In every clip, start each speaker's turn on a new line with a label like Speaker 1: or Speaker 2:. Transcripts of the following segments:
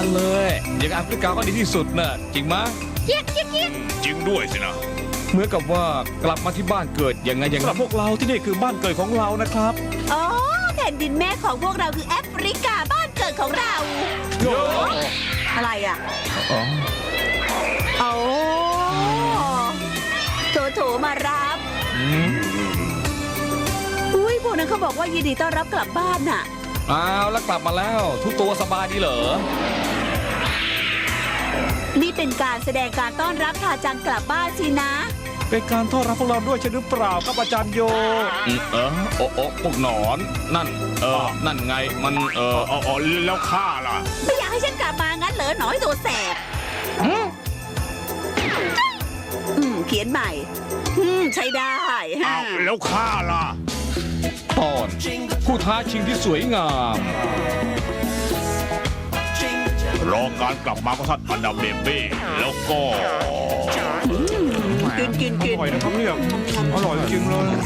Speaker 1: นั้นเลยอย่างแอฟริกาก็ดีที่สุดน่ะจริงไหม
Speaker 2: เกียกเกียกเกียก
Speaker 3: จริงด้วยสินะ
Speaker 1: เหมือนกับว่ากลับมาที่บ้านเกิดยังไงอย่าง
Speaker 4: สำห
Speaker 1: นั้
Speaker 4: รับ
Speaker 1: น
Speaker 4: พวกเราที่นี่คือบ้านเกิดของเรานะครับ
Speaker 2: อ๋อแผ่นดินแม่ของพวกเราคือแอฟริกาบ้านเกิดของเรา
Speaker 1: โย
Speaker 2: อะไรอ่ะ
Speaker 1: อ๋อ
Speaker 2: โอ้โถมารับ
Speaker 1: อืม
Speaker 2: อุ้ยพวกนั้นเขาบอกว่ายินดีต้อนรับกลับบ้านน่ะ
Speaker 1: อ้าวแล้วกลับมาแล้วทุกตัวสบายดีเหรอ
Speaker 2: นี่เป็นการแสดงการต้อนรับทาจังกลับบ้านสินะ
Speaker 4: เป็นการต้อนรับพวกเราด้วยใช่หรือเปล่าครับอาจารย์โย
Speaker 1: โอ้พวกหนอนนั่นนั่นไงมัน
Speaker 3: อ๋อแล้วข้าล่ะ
Speaker 2: ไม่อยากให้ฉันกลับมางั้นเหรอหนอยตัวแสบเขียนใหม่ใช้ได้ฮะ
Speaker 3: อ้าวแล้วข้าล่ะ
Speaker 1: ตอนผู้ท้าชิงที่สวยงาม
Speaker 3: รอการกลับมาของท่านอันดาเบเบ้แล้วก็
Speaker 2: กิน
Speaker 4: อร่อยนะครับเนี่ยอร่อยจริงๆเลย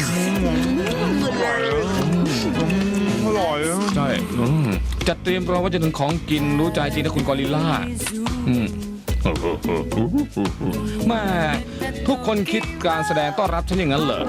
Speaker 4: อร่อยอะ
Speaker 1: ใช่จัดเตรียมรอว่าจะถึงของกินรู้ใจจริงนะคุณกอริลล่าแม่ทุกคนคิดการแสดงต้อนรับฉันอย่างนั้นเหรอ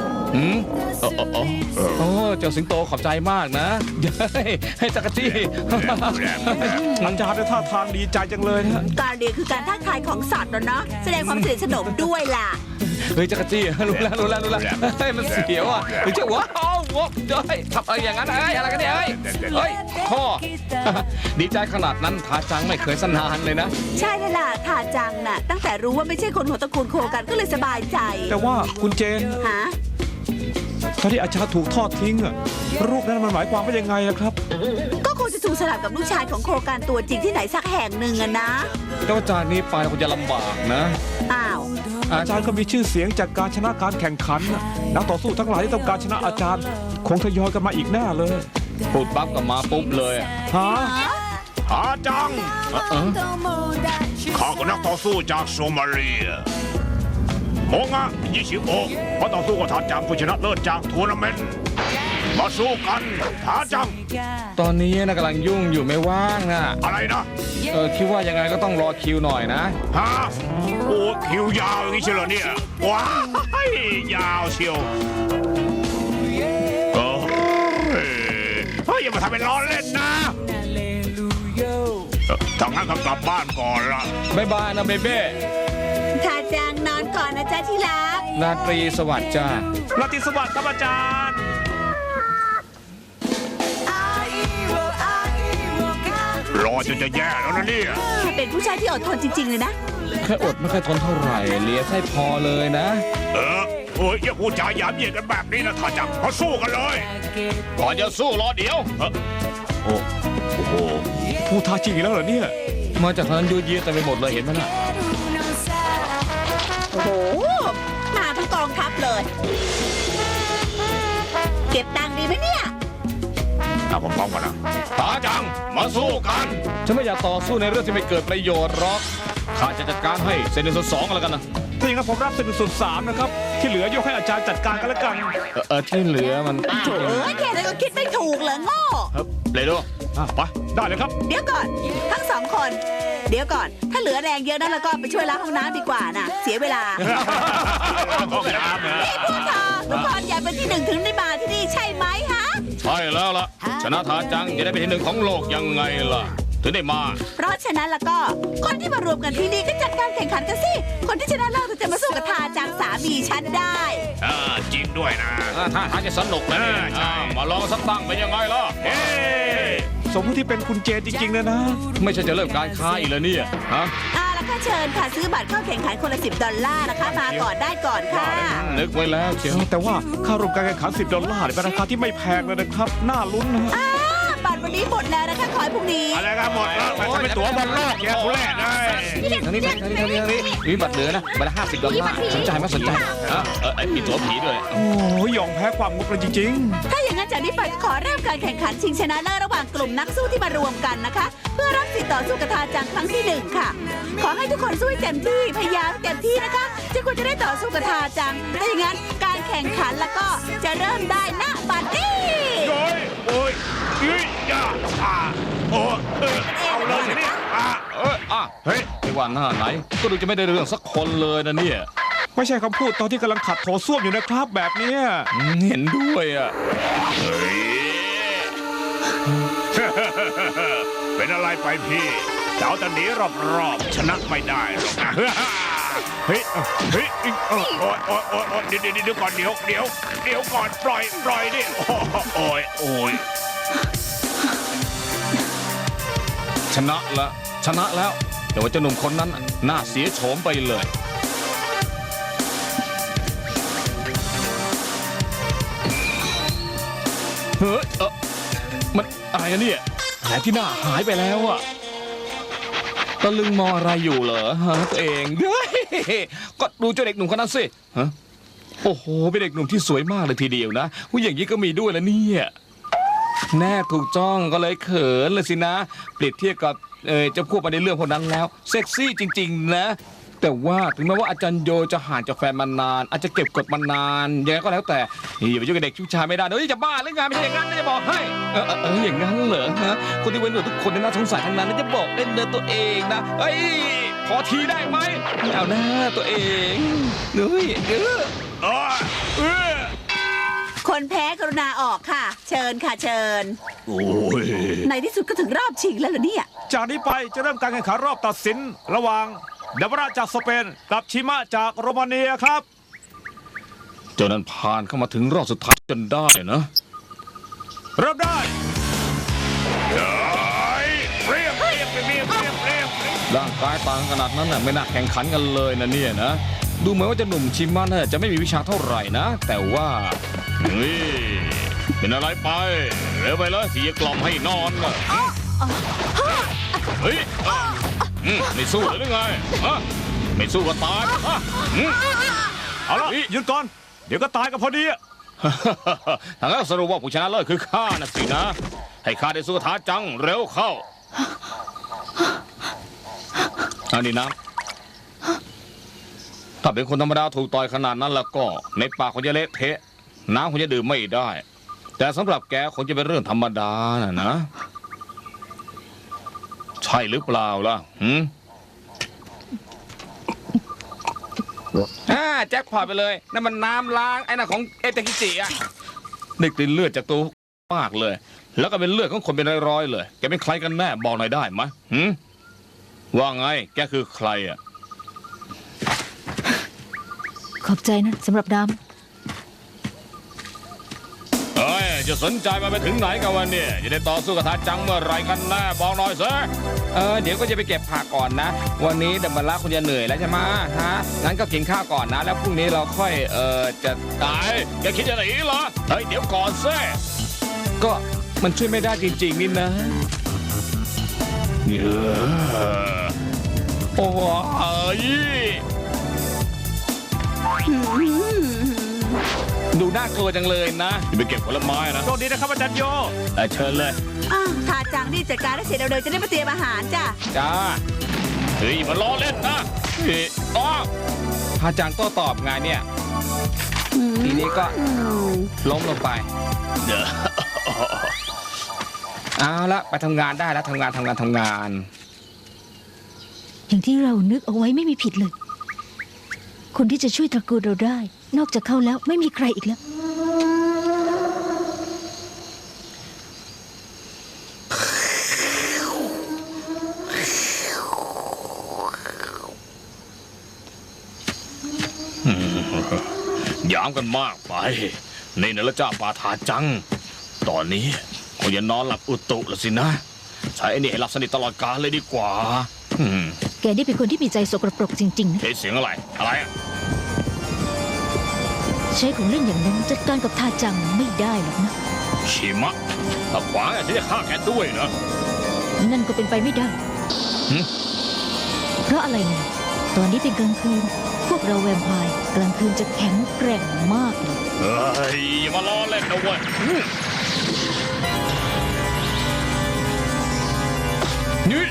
Speaker 1: เจ้าสิงโตขอบใจมากนะให้จักรจี้
Speaker 4: อาจารย์ได้ท่าทางดีใจจังเลยนะ
Speaker 2: การเรียนคือการทักทายของสัตว์เนาะแสดงความสนิทสนมด้วยล่ะ
Speaker 1: เฮ้ยจักรจี้รู้แล้วเฮ้ยมันเสียวอ่ะหรือจะว้าวเฮ้ยทำอะไรอย่างนั้นเฮ้ยอะไรกันเนี่ยเฮ้ยพ่อดีใจขนาดนั้นทาจังไม่เคยสนานเลยนะ
Speaker 2: ใช่เลยล่ะทาจังน่ะตั้งแต่รู้ว่าไม่ใช่คนหัวตระกูลโคกันก็เลยสบายใจ
Speaker 4: แต่ว่าคุณเจน
Speaker 2: ฮะ
Speaker 4: ตอนที่อาจารย์ถูกทอดทิ้งอะรูปนั้นมันหมายความว่ายังไงนะครับ
Speaker 2: ก็คงจะถูกสลับกับลูกชายของโคกันตัวจริงที่ไหนสักแห่งหนึ่งอะนะ
Speaker 1: แต่ว่าจากนี้ไปคงจะลำบากนะ
Speaker 2: อ้าว
Speaker 4: อาจารย์ก็มีชื่อเสียงจากการชนะการแข่งขันน่ะนักต่อสู้ทั้งหลายที่ต้องการชนะอาจารย์ คงทยอยกันมาอีกแน่เลย
Speaker 1: พูดปั๊บก็มาปุ๊บเลยอะ
Speaker 4: ฮะ
Speaker 3: หาจังข้าก็นักต่อสู้จากโซมาเลียโมงะยิชิโอะเพราะต่อสู้กับทาจังผู้ชนะเลิศจากทัวร์นาเมนต์มาสู้กันทาจัง
Speaker 1: ตอนนี้นะกำลังยุ่งอยู่ไม่ว่างอ่ะ
Speaker 3: อะไรนะ
Speaker 1: คิดว่ายังไงก็ต้องรอคิวหน่อยนะ
Speaker 3: ฮะโอ้คิวยาวอย่างนี้เชียวเหรอเนี่ยว้ายยาวเชียวเฮ้ยอย่ามาทำเป็นล้อเล่นนะถ้างั้นก็กลับบ้านก่อนละ
Speaker 1: บ๊ายบายนะเบเบ้
Speaker 2: ทาจังนอนก่อนนะจ๊ะที่รัก
Speaker 1: ราตรีสวัสดิ์จ้า
Speaker 4: ราตรีสวัสดิ์ครับอาจารย์
Speaker 3: รอจนจะแย่แล้วนะเนี่ย
Speaker 2: เป็นผู้ชายที่อดทนจริงๆเลยนะ
Speaker 1: แค่อดไม่ค่อยทนเท่าไหร่เลียไส้พอเลยนะ
Speaker 3: โอ้ยอย่าพูดจาหยามเยียดกันแบบนี้นะถ้าจังมาสู้กันเลยก่อนจะสู้รอเดี๋ยวโอ้โห
Speaker 4: ผู้ท้าชิงอีกแล้วเหรอเนี่ย
Speaker 1: มาจากทางนั้นยูเยียเต็มไปหมดเลยเห็นไหมน่ะ
Speaker 2: โอ้โหมาทั้งกองทัพเลย เก็บตังค์ดีไหมเนี่ย
Speaker 3: ถ้าผมป้องกันนะตาจังมาสู้กัน
Speaker 1: ฉันไม่อยากต่อสู้ในเรื่องที่ไม่เกิดประโยชน์หรอกข้าจะจัดการให้เซนในส่วนสองกันแล้วกันนะ
Speaker 4: ถ้าอย่างนั้นผมรับ1/3นะครับ ที่เหลือยกให้อาจารย์จัดการกันแล้วกัน
Speaker 1: ที่เหลือมัน
Speaker 2: โถ่แค่นั้นก็คิดไม่ถูกเหรอโง่
Speaker 1: เลยดู
Speaker 4: ไปได้เลยครับ
Speaker 2: เดี๋ยวก่อน ทั้งสองคน เดี๋ยวก่อน ถ้าเหลือแรงเยอะนั้นแล้วก็ไปช่วยล้างห้องน้ำดีกว่านะเสียเวลา
Speaker 3: ห้องน้ำนะ
Speaker 2: นี่พวกเธอทุกคนอยากเป็นที่หนึ่งถึงได้มาที่นี่ใช่ไหมฮะ
Speaker 1: ใช่แล้วล่ะชนะทาจังจะได้เป็นที่หนึ่งของโลกยังไงล่ะถึงได้มา
Speaker 2: เพราะฉะนั้นแล้วก็คนที่มารวมกันที่นี่ก็จัดการแข่งขันกันสิ คนที่ชนะเลิศจะมาสู้กับทาจังสามีฉันได้
Speaker 3: จริงด้วยนะ
Speaker 1: ถ้าทางจะสนุกนะเนี่ย
Speaker 3: ใช่
Speaker 1: มาลองสักตั้งเป็นยังไงล่ะ
Speaker 3: เฮ้
Speaker 4: สมมติที่เป็นคุณเจนจริงๆเลยนะ
Speaker 1: ไม่ใช่จะเริ่มการค้าอีกแล้วเนี่ยฮะ
Speaker 2: แล้วก็เชิญค่ะซื้อบัตรเข้าแข่งขันคนละ$10นะคะ มาก่อนได้ก่อนค่ะ
Speaker 1: นึกไว้แล้วเชียว
Speaker 4: แต่ว่าค่าร่วมการแข่งขัน$10เนี่ยเป็นราคาที่ไม่แพงเลยนะครับ น่าลุ้นนะ
Speaker 2: บัตรวันนี้หมดแล้วนะคะขอให้พรุ่งนี้
Speaker 3: อะไรกันหมดแล้วมันเป็นตั๋วบอลโลกแย่ทุเรศเลย
Speaker 1: ทางนี้มีบัตรเหลือนะบัตร$50สนใจไหมสนใจมีตั๋วผีด้วย
Speaker 4: โอ้ยยอมแพ้ความงกเลยจริง
Speaker 2: ถ้าอย่างนั้นจากนี้ไปขอเริ่มการแข่งขันชิงชนะเลิศระหว่างกลุ่มนักสู้ที่มารวมกันนะคะ เพื่อรับสิทธิ์ต่อสู้กับทาจังครั้งที่1ค่ะ ขอให้ทุกคนสู้ให้เต็มที่พยายามเต็มที่นะคะจนกว่าจะได้ต่อสู้กับทาจังถ้าอย่างนั้นการแข่งขันแล้วก็จะเริ่มได้ณบัดนี้
Speaker 3: โอ้ยโอ้ยยาโอ้เอาเลยทีนี้
Speaker 1: เฮ้ยไม่ว่าหน้าไหน ก็ดูจะไม่ได้เรื่องสักคนเลยนะเนี่ย
Speaker 4: ไม่ใช่คำพูดตอนที่กำลังขัดโถส้วมอยู่นะครับแบบเนี้ย
Speaker 1: เห็นด้วยอ่ะ
Speaker 3: เฮ้ย เป็นอะไรไปพี่เจ้าจะหนีรอบๆชนะไม่ได้หรอกนะเฮ้ยโอ้ยเดี๋ยวก่อนเดี๋ยวก่อนปล่อยดิโอ้ย
Speaker 1: ชนะแล้ว แต่ว่าเจ้าหนุ่มคนนั้นน่าเสียโฉมไปเลยเฮ้ยมันอะไรอะเนี่ยแผลที่หน้าหายไปแล้วอะตะลึงมองอะไรอยู่เหรอฮะตัวเองเฮ้ยก็ดูเจ้าเด็กหนุ่มคนนั้นสิฮะโอ้โหเป็นเด็กหนุ่มที่สวยมากเลยทีเดียวนะผู้อย่างนี้ก็มีด้วยแล้วเนี่ยแน่ถูกจ้องก็เลยเขินเลยสินะเปรียบเทียบกับเจ้าพวกมาในเรื่องพวกนั้นแล้วเซ็กซี่จริงๆนะแต่ว่าถึงแม้ว่าอาจารย์โยจะห่างจากแฟนมานานอาจจะเก็บกดมานานยังไงก็แล้วแต่อย่าไปยุ่งกับเด็กผู้ชายไม่ได้เดี๋ยวจะบ้าหรือไงไม่ใช่อย่างนั้นนะจะบอกให้อย่างนั้นเหรอฮะคนที่เว้นหนวดทุกคนน่าสงสารทั้งนั้นจะบอกเล่นเดินตัวเองนะเฮ้ยพอทีได้ไหมไม่เอาหน้าตัวเองเฮ้ย
Speaker 2: คนแพ้กรุณาออกค่ะ เชิญค่ะเชิญ
Speaker 3: โอ้ย
Speaker 2: ในที่สุดก็ถึงรอบชิงแล้วเหรอเนี่ย
Speaker 4: จากนี้ไปจะเริ่มการแข่งขันรอบตัดสินระหว่างเดบราจากสเปนกับชิมะจากโรมาเนียครับ
Speaker 1: เจ้านั้นผ่านเข้ามาถึงรอบสุดท้ายจนได้นะ
Speaker 4: เริ่มได้
Speaker 3: เรียบ
Speaker 1: ร่างกายต่างขนาดนั้นน่ะไม่น่าแข่งขันกันเลยนะเนี่ยนะดูเหมือนว่าเจะหนุ่มชิมะน่าจะไม่มีวิชาเท่าไหร่นะแต่ว่าเฮ้ยเป็นอะไรไปเร็วไปเลยสิจะกล่อมให้นอนน่ะเฮ้ยไม่สู้หรือไงไม่สู้ก็ตาย
Speaker 4: เอาละหยุดก่อนเดี๋ยวก็ตายกันพอดีอะ
Speaker 1: ทางนั้นสรุปว่าผู้ชนะเลิศคือข้านะสินะให้ข้าได้สู้ท้าจังเร็วเข้าอันนี้นะถ้าเป็นคนธรรมดาถูกต่อยขนาดนั้นแล้วก็ในปากคงจะเละเทะน้ำคงจะดื่มไม่ได้แต่สำหรับแกคงจะเป็นเรื่องธรรมดานะใช่หรือเปล่าล่ะแจ็คพอตไปเลยนั่นมันน้ำล้างไอ้น่ะของเอเตคิจิอะได้กลิ่นเลือดจากตัวมากเลยแล้วก็เป็นเลือดของคนเป็นร้อยๆเลยแกเป็นใครกันแน่บอกหน่อยได้ไหมว่าไงแกคือใครอะ
Speaker 5: ขอบใจนะสำหรับน้
Speaker 1: เฮ้ยจะสนใจมาไปถึงไหนกันวันนี้จะได้ต่อสู้กับทาจังเมื่อไรกันแน่บอกหน่อยสิเดี๋ยวก็จะไปเก็บผักก่อนนะวันนี้ดัมเบลล่าคุณจะเหนื่อยแล้วใช่ไหมฮะงั้นก็กินข้าวก่อนนะแล้วพรุ่งนี้เราค่อยจะตายแกคิดจะหนีเหรอเฮ้ยเดี๋ยวก่อนซิก็มันช่วยไม่ได้จริงๆนี่นะโอ้ยดูน่ากลัวจังเลยนะไปเก็บผลไม้นะ
Speaker 4: โชคดีนะครับอาจารย์โย
Speaker 1: เชิญเลย
Speaker 2: ทาจังนี่จัดการได้เสร็จเร็วๆจะได้มาเตรียมอาหารจ้ะ
Speaker 1: จ้าเฮ้ยมันล้อเล่นนะทาจังโต้ตอบไงเนี่ยทีนี้ก็ล้มลงไปเอาละไปทำงานได้แล้วทำงาน
Speaker 5: อย่างที่เรานึกเอาไว้ไม่มีผิดเลยคนที่จะช่วยตระกูลเราได้นอกจากเขาแล้วไม่มีใครอีกแล้ว
Speaker 1: ยามกันมากไปนี่นะละจ้าปาทาจังตอนนี้คงจะนอนหลับอุตุละสินะใช้ไอ้นี่ให้หลับสนิทตลอดกาลเลยดีกว่า
Speaker 5: แกนี่เป็นคนที่มีใจสกปรกจริงๆนะ
Speaker 1: เสียงอะไร
Speaker 5: ใช้ของเล่นอย่างนั้นจัดการกับทาจังไม่ได้หรอกนะ
Speaker 1: ชิมะถ้าขวางอาจจะได้ฆ่าแกด้วยนะ
Speaker 5: นั่นก็เป็นไปไม่ได้เพราะอะไรเนี่ยตอนนี้เป็นกลางคืนพวกเราแวมไพร์กลางคืนจะแข็งแกร่งมากเลย
Speaker 1: เฮ้ยอย่ามาล้อเล่นนะเว้ยนี่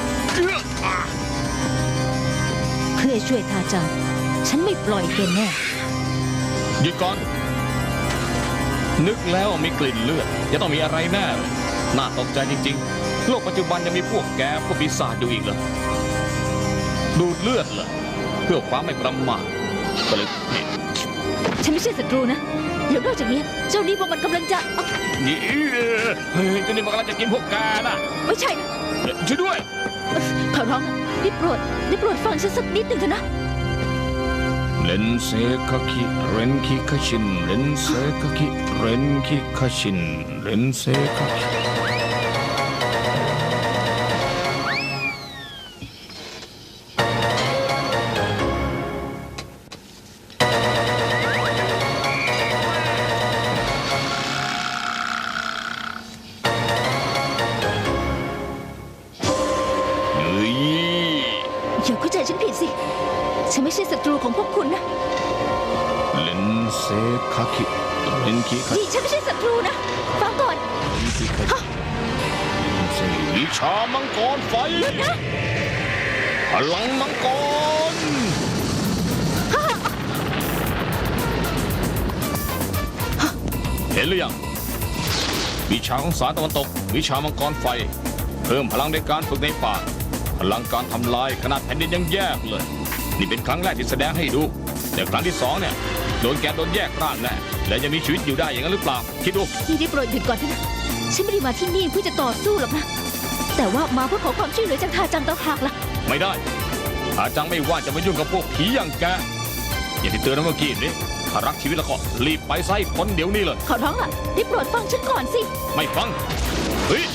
Speaker 5: เพื่อช่วยทาจังฉันไม่ปล่อยแกแน่
Speaker 1: หยุดก่อนนึกแล้วมีกลิ่นเลือดจะต้องมีอะไรแน่น่าตกใจจริงๆโลกปัจจุบันยังมีพวกแกพวกปีศาจอยู่อีกเหรอดูดเลือดเหรอเพื่อความไม่ประมาทก็เลยนี่
Speaker 5: ฉันไม่ใช่ศัตรูนะแล้วนอกจากนี้เจ้านี่พวกมันกำลังจะเอ้า
Speaker 1: นี่เฮ้ยเจ้านี่มันกำลังจะกินพวกแกนะ
Speaker 5: ไม่ใช่นะ
Speaker 1: ช่วยด้วย
Speaker 5: ขอร้องนะได้โปรดฟังฉันสักนิดหนึ่งเถอะนะ
Speaker 1: เลนเซคาคิเรนคิคาชินเลนเซคาคิเรนคิคาชินเลนเซคาคิเฮ้ย
Speaker 5: อย่าเข้าใจฉันผิดสิ ฉันไม่ใช่ศัตรูของพวกคุณนะ
Speaker 1: เลนเซคาคิเรนคิคา
Speaker 5: นี่ฉันไม่ใช่ศัตรูนะ ฟังก่อน
Speaker 1: วิชามังกรไฟพลังมังกรเห็นหรือยังวิชาของสารตะวันตกวิชามังกรไฟ เพิ่มพลังในการฝึกในป่าพลังการทำลายขนาดแผ่นดินยังแยกเลย นี่เป็นครั้งแรกที่แสดงให้ดู แต่ครั้งที่สองเนี่ยโดนแยกร่างแน่และจะมีชีวิตอยู่ได้อย่างนั้นหรือเปล่าคิดดู
Speaker 5: นี่ได้โปรดหยุดก่อนเถอะนะ ฉันไม่ได้มาที่นี่เพื่อจะต่อสู้หรอกนะ แต่ว่ามาเพื่อขอความช่วยเหลือจากทาจังต่างหากล่ะ
Speaker 1: ไม่ได้อาจังไม่ว่าจะมายุ่งกับพวกผีอย่างแกอย่างที่เตือนนะเมื่อกี้นี้ถ้ารักชีวิตแล้วก็รีบไปซะให้พ้นเดี๋ยวนี้เลย
Speaker 5: ขอร้องล่ะได้โปรดฟังฉันก่อนสิ
Speaker 1: ไม่ฟัง เฮ้ย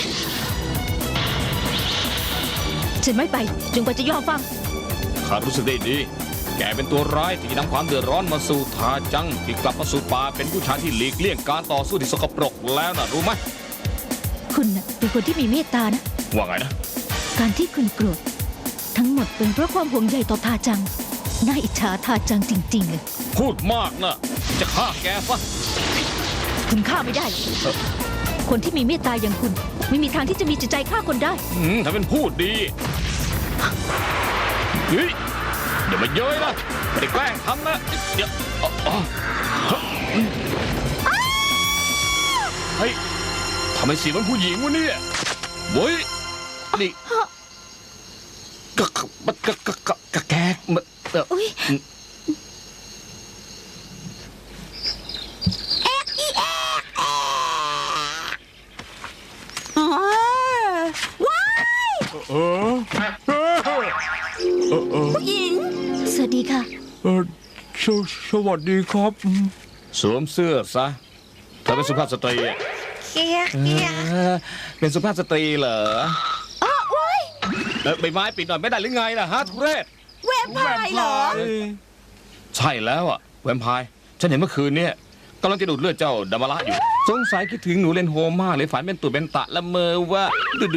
Speaker 5: ฉันไม่ไปจนกว่าจะยอมฟัง
Speaker 1: ข้ารู้สึกได้ดี แกเป็นตัวร้ายที่นำความเดือดร้อนมาสู่ทาจังที่กลับมาสู่ป่าเป็นผู้ชายที่หลีกเลี่ยงการต่อสู้ที่สกปรกแล้วนะรู้ไหม
Speaker 5: คุณน่ะเป็นคนที่มีเมตตานะ
Speaker 1: ว่าไงนะ
Speaker 5: การที่คุณโกรธทั้งหมดเป็นเพราะความห่วงใยต่อทาจัง น่าอิจฉาทาจังจริงๆเลย
Speaker 1: พูดมากนะจะฆ่าแกซะ
Speaker 5: คุณฆ่าไม่ได้หรอกคนที่มีเมตตาอย่างคุณ ไม่มีทางที่จะมีจิตใจฆ่าคนได้
Speaker 1: ถ้าเป็นพูดดีเฮ้ยอย่ามาเย้ยนะไม่ได้แกล้งทำนะเดี๋ยวเฮ้ยทำไมเสียงมันผู้หญิงวะเนี่ยเว้ยนี่กะแกก
Speaker 5: อุ๊ย
Speaker 2: อ๋อว้ายผู้หญิง
Speaker 5: สวัสดีค่ะ
Speaker 4: สวัสดีครับ
Speaker 1: สวมเสื้อซะเธอเป็นสุภาพสตรีอะเป็นสุภาพสตรีเหรอใบไม้ปิดหน่อยไม่ได้หรือไงล่ะฮะทุเรศ
Speaker 2: แวมไพร์เหรอ
Speaker 1: ใช่แล้วอ่ะแวมไพร์ฉันเห็นเมื่อคืนเนี่ยกำลังจะดูดเลือดเจ้าดามาระอยู่ สงสัยคิดถึงหนูเลนโฮมากเลยฝันเป็นตุ่เป็นตะละเมอว่า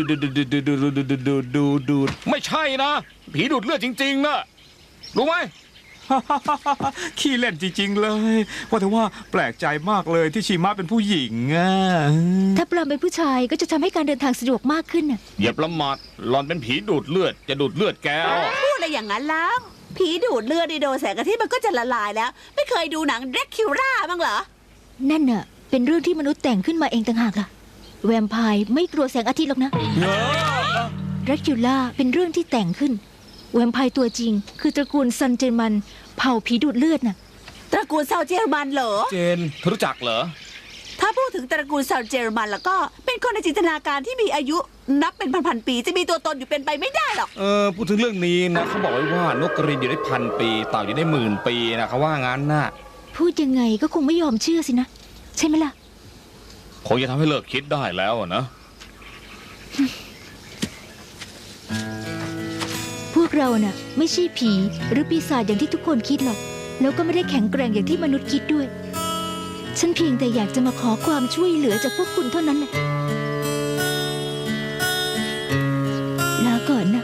Speaker 1: ดูดไม่ใช่นะผีดูดเลือดจริงๆนะรู้ไหม
Speaker 4: ขี้เล่นจริงๆเลย ว่าแต่ว่าแปลกใจมากเลยที่ชีมะเป็นผู้หญิงอ่ะ
Speaker 5: ถ้าปลอมเป็นผู้ชายก็จะทำให้การเดินทางสะดวกมากขึ้นน่ะ
Speaker 1: อย่าประมาทหลอนเป็นผีดูดเลือดจะดูดเลือดแกเอา
Speaker 2: พูดอะไรอย่างนั้นล่ะผีดูดเลือดดีโดนแสงอาทิตย์มันก็จะละลายแล้ว ไม่เคยดูหนังเดรคคิวราบ้างเหรอ
Speaker 5: นั่นน่ะเป็นเรื่องที่มนุษย์แต่งขึ้นมาเองต่างหากล่ะ แวมไพร์ไม่กลัวแสงอาทิตย์หรอกนะแดรคิวล่าเป็นเรื่องที่แต่งขึ้น แวมไพร์ตัวจริง คือตระกูลซันเจอร์มันเผ่าผีดูดเลือดน่ะ
Speaker 2: ตระกูลซาวเจอร์มันเหรอ
Speaker 1: เจนเธอรู้จักเหรอ
Speaker 2: ถ้าพูดถึงตระกูลซาวเจอร์มันแล้วก็เป็นคนในจินตนาการที่มีอายุนับเป็นพันๆปีจะมีตัวตนอยู่เป็นไปไม่ได้หรอก
Speaker 1: พูดถึงเรื่องนี้นะเขาบอกไว้ว่านกกระเรียนอยู่ได้1,000 ปีเต่าอยู่ได้10,000 ปีนะเขาว่างั้นน่ะ
Speaker 5: พูดยังไงก็คงไม่ยอมเชื่อสินะ ใช่ไหมล่ะ
Speaker 1: คงจะทำให้เลิกคิดได้แล้วอะนะ
Speaker 5: พวกเราน่ะ ไม่ใช่ผีหรือปีศาจอย่างที่ทุกคนคิดหรอก แล้วก็ไม่ได้แข็งแกร่งอย่างที่มนุษย์คิดด้วย ฉันเพียงแต่อยากจะมาขอความช่วยเหลือจากพวกคุณเท่านั้นน่ะลาก่อนนะ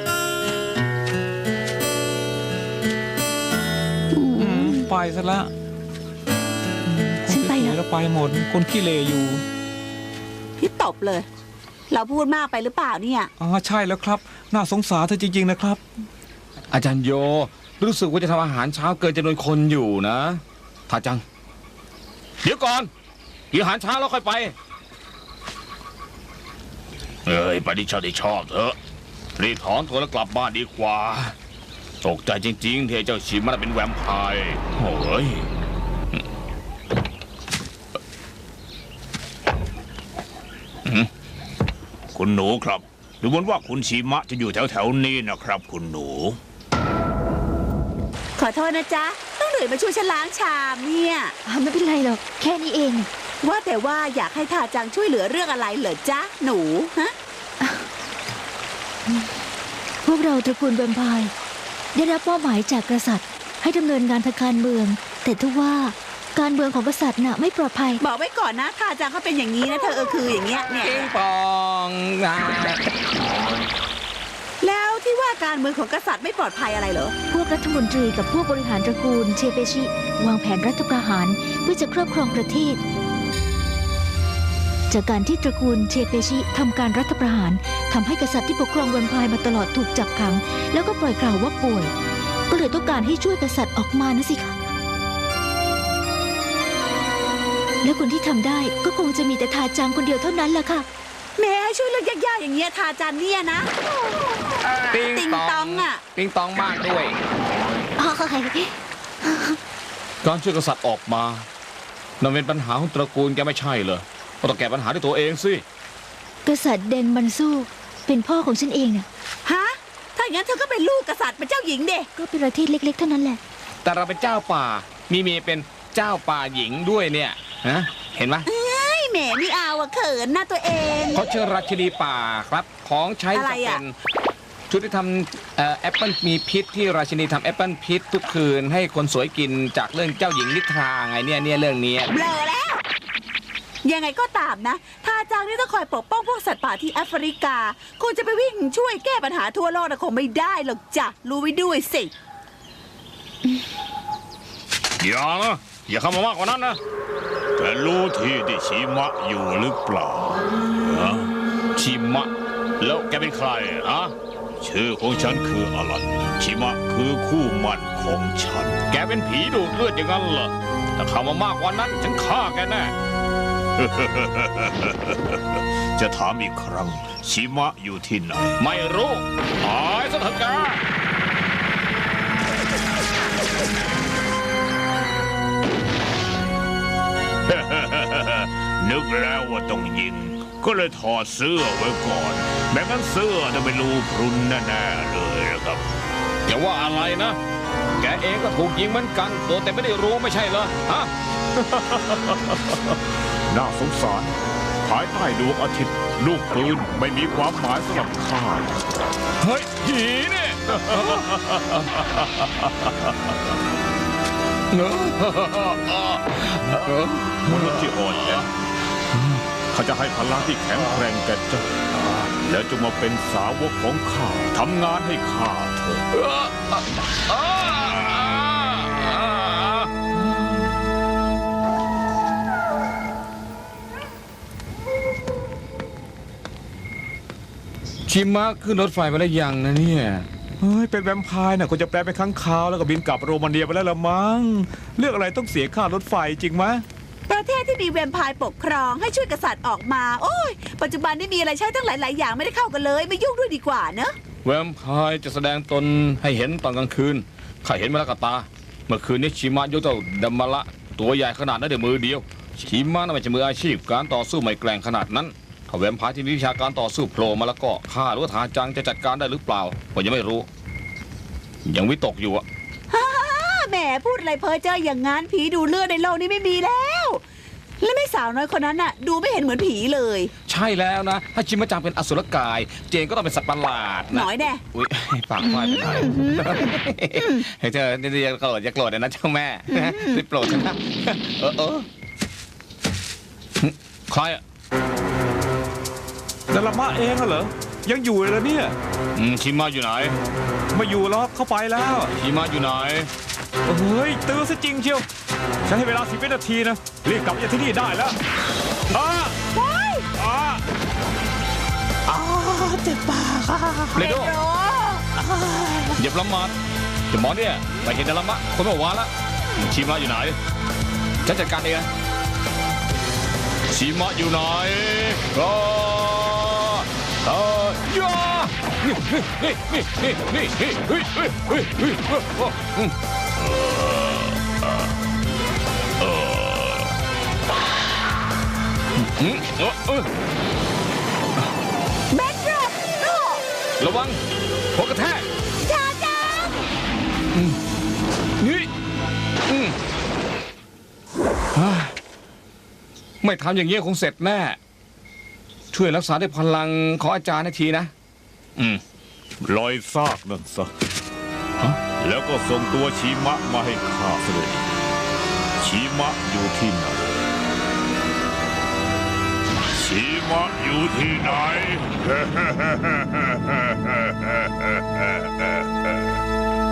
Speaker 4: ไปซะละ
Speaker 5: ฉันไปแล้ว
Speaker 4: แล้วไปหมด คนขี้เลอยู่
Speaker 2: พี่ตบเลย เราพูดมากไปหรือเปล่าเนี่ย
Speaker 4: ใช่แล้วครับ น่าสงสารเธอจริงๆนะครับ
Speaker 1: อาจารย์โยรู้สึกว่าจะทำอาหารเช้าเกินจำนวนคนอยู่นะทาจัง เดี๋ยวก่อนกินอาหารเช้าแล้วค่อยไป
Speaker 3: เอ้ยไปที่ชอบเถอะรีบถอนตัวแล้วกลับบ้านดีกว่าตกใจจริงๆที่ไอ้เจ้าชิมมันเป็นแวมไพร์โอ้ยคุณหนูครับดูเหมือนว่าคุณชิมะจะอยู่แถวๆนี้นะครับคุณหนู
Speaker 2: ขอโทษนะจ๊ะ ต้องเหนื่อยมาช่วยฉันล้างชามเนี่ย
Speaker 5: ไม่เป็นไรหรอก แค่นี้เอง
Speaker 2: ว่าแต่ว่าอยากให้ทาจังช่วยเหลือเรื่องอะไรเหรอจ๊ะ หนูฮะ
Speaker 5: พวกเราตระกูลแวมไพร์ได้รับมอบหมายจากกษัตริย์ ให้ดำเนินงานทางการเมือง แต่ทว่าการเมืองของกษัตริย์น่ะไม่ปลอดภัย
Speaker 2: บอกไว้ก่อนนะทาจังเขาเป็นอย่างนี้นะเธอคืออย่างเงี้ยเนี่ย
Speaker 1: ปิงปองนะ
Speaker 2: แล้วที่ว่าการเมืองของกษัตริย์ไม่ปลอดภัยอะไรเหรอ
Speaker 5: พวกรัฐมนตรีกับพวกบริหารตระกูลเชเปชิ วางแผนรัฐประหารเพื่อจะครอบครองประเทศ จากการที่ตระกูลเชเปชิทำการรัฐประหารทำให้กษัตริย์ที่ปกครองแวมไพร์มาตลอดถูกจับขัง แล้วก็ปล่อยกล่าวว่าป่วย ก็เลยต้องการให้ช่วยกษัตริย์ออกมานะสิคะและคนที่ทำได้ก็คงจะมีแต่ทาจังคนเดียวเท่านั้นแหละค่ะ
Speaker 2: แม่ให้ช่วยเรื่องยากๆอย่างเงี้ยทาจังเนี่ยนะ
Speaker 1: ปิง
Speaker 2: ติงตองอะ
Speaker 1: ปิงตองมากด้วย การช่วยกษัตริย์ออกมานั่นเป็นปัญหาของตระกูลแกไม่ใช่เหรอก็ต้องแก้ปัญหาด้วยตัวเองสิ
Speaker 5: กษัตริย์เดนมันซูเป็นพ่อของฉันเองน่ะ
Speaker 2: ฮะ ถ้าอย่างนั้นเธอก็เป็นลูกกษัตริย์เป็นเจ้าหญิงเด็
Speaker 5: ก็เป็นประเทศเล็กๆเท่านั้นแหละ
Speaker 1: แต่เราเป็นเจ้าป่า มีเมียเป็นเจ้าป่าหญิงด้วยเนี่ยฮะเห็นไหม
Speaker 2: ไอ้แหมไม่เอาอะเขินนะตัวเอง
Speaker 1: เขาเชิญราชินีป่าครับ ของใช้
Speaker 2: อะไร
Speaker 1: จะ
Speaker 2: อะ
Speaker 1: เป็นชุดที่ทำแอปเปิลมีพิษที่ราชินีทำแอปเปิลพิษทุกคืนให้คนสวยกินจากเรื่องเจ้าหญิงนิทราไงเนี่ยเรื่องนี้
Speaker 2: เบลอแล้ว ยังไงก็ตามนะทาจังนี่ต้องคอยปกป้องพวกสัตว์ป่าที่แอฟริกาคงจะไปวิ่งช่วยแก้ปัญหาทั่วโลกนะคงไม่ได้หรอกจ้ะรู้ไว้ด้วยสิ
Speaker 3: อย่าเข้ามามากกว่านั้นนะแต่รู้ที่ชิมะอยู่หรือเปล่าชิมะแล้วแกเป็นใครอะชื่อของฉันคืออลันชิมะคือคู่หมั่นของฉัน แกเป็นผีดูดเลือดอย่างนั้นเหรอถ้าเข้ามามากกว่านั้นฉันฆ่าแกแน่ จะถามอีกครั้งชิมะอยู่ที่ไหนไม่รู้ตายซะเถอะแก นึกแล้วว่าต้องยิงก็เลยถอดเสื้อไว้ก่อนแม้งั้นเสื้อจะเป็นรูพรุนแน่ๆเลยนะครับ
Speaker 1: อย่าว่าอะไรนะ แกเองก็ถูกยิงเหมือนกันตัวแต่ไม่ได้รู้ไม่ใช่เหรอฮะ
Speaker 3: น่าสงสารภายใต้ดวงอาทิตย์ลูกปืนไม่มีความหมายสำหรับข้า
Speaker 1: เฮ้ยผีเนี่ย
Speaker 3: มนุษย์ที่อ่อนแอเขาจะให้พลังที่แข็งแกร่งแก่เจ้าแล้วจงมาเป็นสาวกของข้าทำงานให้ข้าเถอะ
Speaker 1: ชิมะขึ้นรถไฟมาได้ยังนะเนี่ย
Speaker 4: เฮ้ยเป็นแวมไพร์น่ะควรจะแปลเป็นค้างคาวแล้วก็บินกลับโรมาเนียไปแล้วละมั้งเรื่องอะไรต้องเสียค่ารถไฟจริงไหม
Speaker 2: ประเทศที่มีแวมไพร์ปกครองให้ช่วยกษัตริย์ออกมา โอ้ยปัจจุบันนี่มีอะไรใช้ตั้งหลายๆอย่างไม่ได้เข้ากันเลยไม่ยุ่งด้วยดีกว่าเนอะ
Speaker 1: แวมไพร์จะแสดงตนให้เห็นตอนกลางคืนข้าเห็นมาแล้วกับตา เมื่อคืนนี้ชิมะยกเจ้าดัมมาละตัวใหญ่ขนาดนั้นด้วยมือเดียวชิมะน่าจะมืออาชีพการต่อสู้ไม่แกร่งขนาดนั้นถ้าแวมไพร์ที่มีวิชาการต่อสู้โผล่มาแล้วก็ข้าหรือว่าทาจังจะจัดการได้หรือเปล่าผมยังไม่รู้ ยังวิตกอยู่อะ
Speaker 2: แหมพูดอะไรเพ้อเจ้ออย่างงั้นผีดูเลือดในโลกนี้ไม่มีแล้ว และแม่สาวน้อยคนนั้นน่ะดูไม่เห็นเหมือนผีเลย
Speaker 1: ใช่แล้วนะ ถ้าชิมะจังเป็นอสุรกาย เจนก็ต้องเป็นสัตว์ประหลาด
Speaker 2: ห
Speaker 1: นะ
Speaker 2: น่อยแน่
Speaker 1: อุ้ยปากพลาดไปหน่อยเฮ้ยเธอนี่อย่าโกรธอย่าโกรธนะเจ้าแม่รีบโปรดฉันนะเออใครอ่ะ
Speaker 4: ดารามาเองเหรอยังอยู่เลยเนี่ย
Speaker 1: ชิมะอยู่ไหน
Speaker 4: ไม่อยู่แล้วเข้าไปแล้ว
Speaker 1: ชิมะอยู่ไหน
Speaker 4: เฮ้ยตื้อซะจริงเชียวฉันให้เวลา10 วินาทีนะรีบกลับมาจากที่นี่ได้แล้ว
Speaker 2: เจ็บปากค่ะ
Speaker 1: เรโดอย่าประมาทเดี๋ยวหมอเนี่ยไปเห็นดารามะคนเมื่อวานละชิมะอยู่ไหนฉันจัดการเองชิมะอยู่ไหนก็
Speaker 2: เบนดรอปโอ้
Speaker 1: ระวังหัวกระแทก
Speaker 2: ชาจัง
Speaker 1: นี่ฮ่าไม่ทำอย่างเงี้ยคงเสร็จแน่ ช่วยรักษาด้วยพลังของอาจารย์ให้ทีนะ
Speaker 3: ปล่อยซากนั่นซะแล้วก็ส่งตัวชีมะมาให้ข้าเลย ชีมะอยู่ที่ไหน ชีมะอยู่ที่ไหน